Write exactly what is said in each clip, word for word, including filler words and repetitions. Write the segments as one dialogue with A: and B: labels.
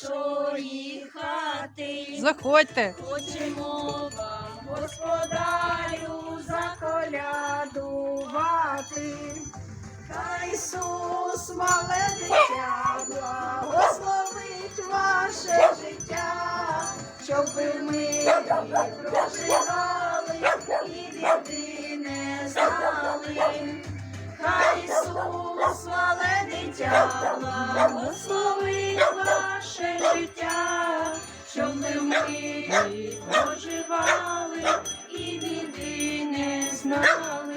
A: нашої хати.
B: Заходьте.
A: Хочемо вам, господарю, заколядувати. Хай Ісус, мале дитя, благословить ваше життя, щоб ви в мирі проживали і біди не знали. Хай Ісус, мале дитя, благословить ваше життя, щоб ви в мирі проживали і біди не знали.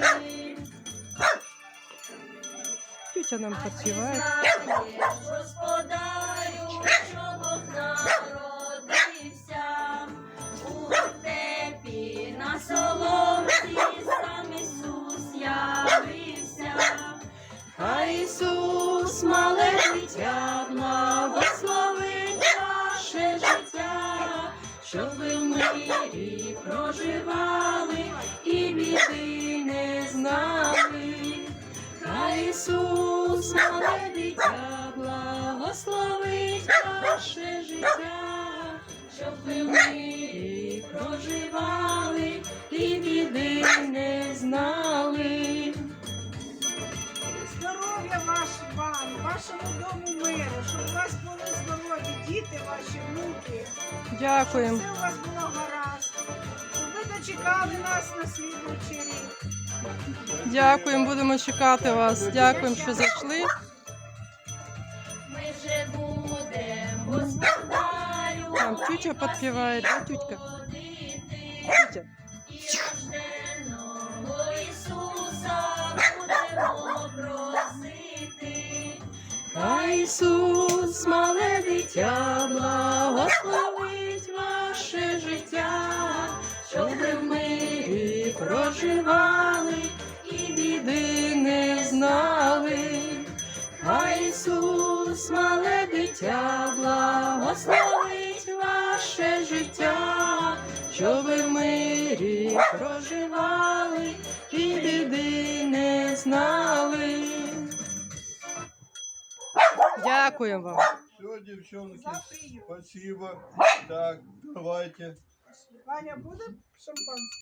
B: Тютя нам підспіває.
A: Господарю, що Бог народився, у вертепі на соломці сам Ісус явився. Хай Ісус, мале дитя, благословить ваше життя, щоб ви в мирі проживали і біди не знали. Хай Ісус, мале дитя, благословить ваше життя, щоб ви в мирі проживали і біди не знали.
C: Здоров'я ваш вам, вашому дому миру, щоб у вас були здорові діти, ваші внуки.
B: Дякуємо.
C: Все у вас було гаразд. Щоб ви дочекали нас на слідуючий рік.
B: Дякуємо, будемо чекати вас. Дякуємо, що зайшли.
A: Ми вже будемо, господарю,
B: Там тютя підпіває, да, тютька? Тютя.
A: і рожденого Ісуса будемо просити. Хай Ісус, мале дитя, благословить ваше життя, щоб ви в мирі проживали і біди не знали. Хай Ісус, мале дитя, благословить ваше життя, щоб ви в мирі проживали і біди не знали.
B: Дякуємо вам.
D: Все, девчонки,
C: Запию.
D: спасибо. Так, давайте.
C: Ваня, буде шампанське?